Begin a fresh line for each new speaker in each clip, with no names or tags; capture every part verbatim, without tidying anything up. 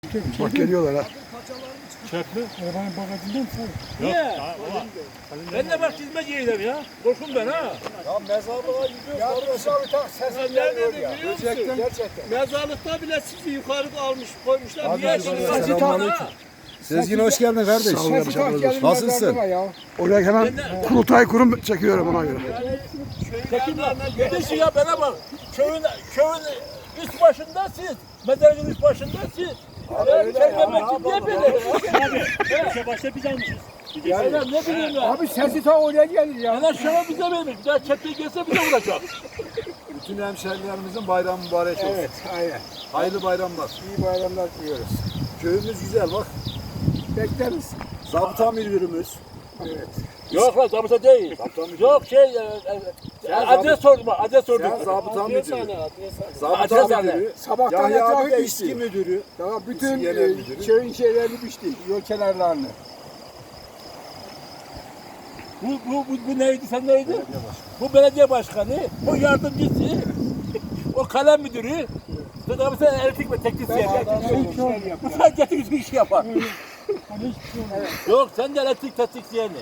Bak geliyorlar ha.
Çöp mü?
Arabanın bagajından mı?
Niye? Ben de bak çizmeciydim ya. Korkun ben ha.
Ya mezarlığa gidiyoruz.
Ya dışarı tak
Ya
sesin
nerede
geliyor
biliyor
ya.
musun?
Gerçekten. Gerçekten.
Mezarlıkta bile sizi yukarı almış koymuşlar.
Abi,
Niye
abi,
şimdi
abi,
sizi
selamünaleyküm.
ha?
Sezgin hoş geldin kardeş.
Sağ olun.
Sesi tak gelin
Nasılsın?
mezarlığa ya.
Oraya hemen kurultay kurum çekiyorum ona göre.
Çekin lan. Gidin ya bana bak. Köyün, köyün üst başında siz. Mezarlığın üst başında siz. Ya çekmemek için niye böyle ya?
İşe başta biz almışız.
Ya ne bileyim ya.
Abi sesi ta oraya gelir ya.
En aşağı bize vermiş. Bir daha çekme gelse bize vuracak.
Bütün hemşehrilerimizin bayramı mübarek olsun.
Evet, aynen.
Hayırlı bayramlar.
İyi bayramlar diliyoruz.
Köyümüz güzel bak.
Bekleriz.
Zabıta müdürümüz.
Evet.
Yok lan zabıta değil.
Zabıta müdürü.
Yok şey, e, e, adres sordum, adres sordum.
Sen zabıta müdürü.
Adres
Zabıta
hane.
müdürü.
Sabahtan
Yahya abi
etrafı
eski
biçti.
müdürü.
Daha bütün
İsim
e,
genel müdürü.
köyün şeylerini biçti. Yol kenarlarını.
Bu, bu, bu, bu neydi, sen neydi? Bu belediye başkanı, bu yardımcısı, o kalem müdürü. Sonra bir sen elektrik ve teknisyen. Bu sadece teknik iş yapar. Yok, sen de elektrik teknisyeni.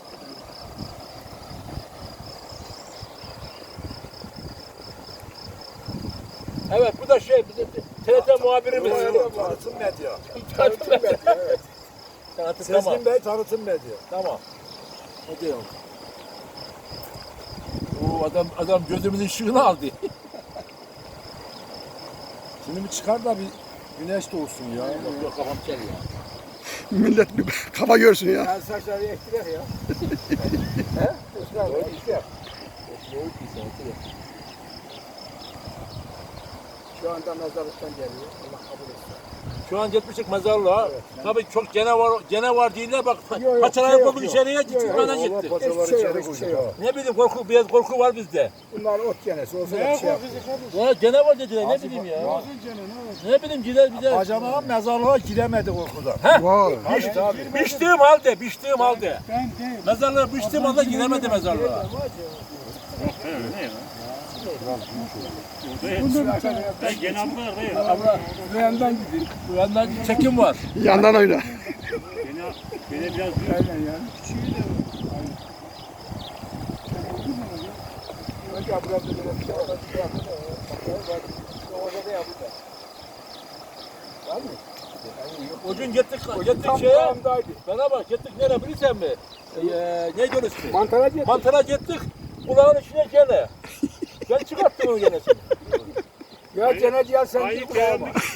Evet, bu da şey, bizim T R T muhabirimiz.
Tanıtım medya.
Tanıtım medya. Tanıtım, tamam.
Sezgin Bey tanıtım medya.
Tamam. Hadi yok. Oo, adam adam gözümüzün ışığını aldı.
Şimdi bir çıkar da bir güneş doğsun ya.
Yok yok kafam kel ya.
Millet bir kafa görsün ya.
Her saçları ektiler ya. He? Esra, ektiler. Şu anda mezarlıktan geliyor. Allah kabul etsin.
Şu an gitmiştik mezarlığa. Tabii çok gene var, gene var değiller bak.
Yok, yok,
Paçaları
şey yok,
koyduk
yok.
içeriye
Yok,
gittik
yok,
bana
Allah
gitti.
paçaları
Hiçbir şey
içeri
yok, hiçbir şey
koyacak.
yok.
Ne bileyim korku, biraz korku var bizde.
Bunlar ot genesi. Olsa da bir şey yapmıyor.
Ya gene var dediler ne bileyim ya. Ne bileyim gider bize.
Bacana mezarlığa giremedi korkudan.
Vay.
Tabii tabii.
Biçtiğim halde, biçtiğim halde.
Ben değil.
Mezarlığa biçtiğim halde giremedi mezarlığa.
Ben genel bu kadar değil.
Abla
Bu yandan gidin.
bu yandan çekim var.
Yandan oyna.
Genel, genel biraz büyük.
Aynen ya. Küçüğü de Önce biraz da böyle bir şey yapalım. Bir şey yapalım. Orada da yapacağız. Var mı?
O gün gittik, gittik
Tam
şeye.
dağındaydı.
Bana bak gittik nereye bilirsen mi? Ee, neydi onun ismi?
Mantara gittik.
Mantara gittik. Kulağın içine gene. Ben çıkarttım onu gene.
Ya cennet ya sen
Ayıp
git buraya
beğenmiş.
bak.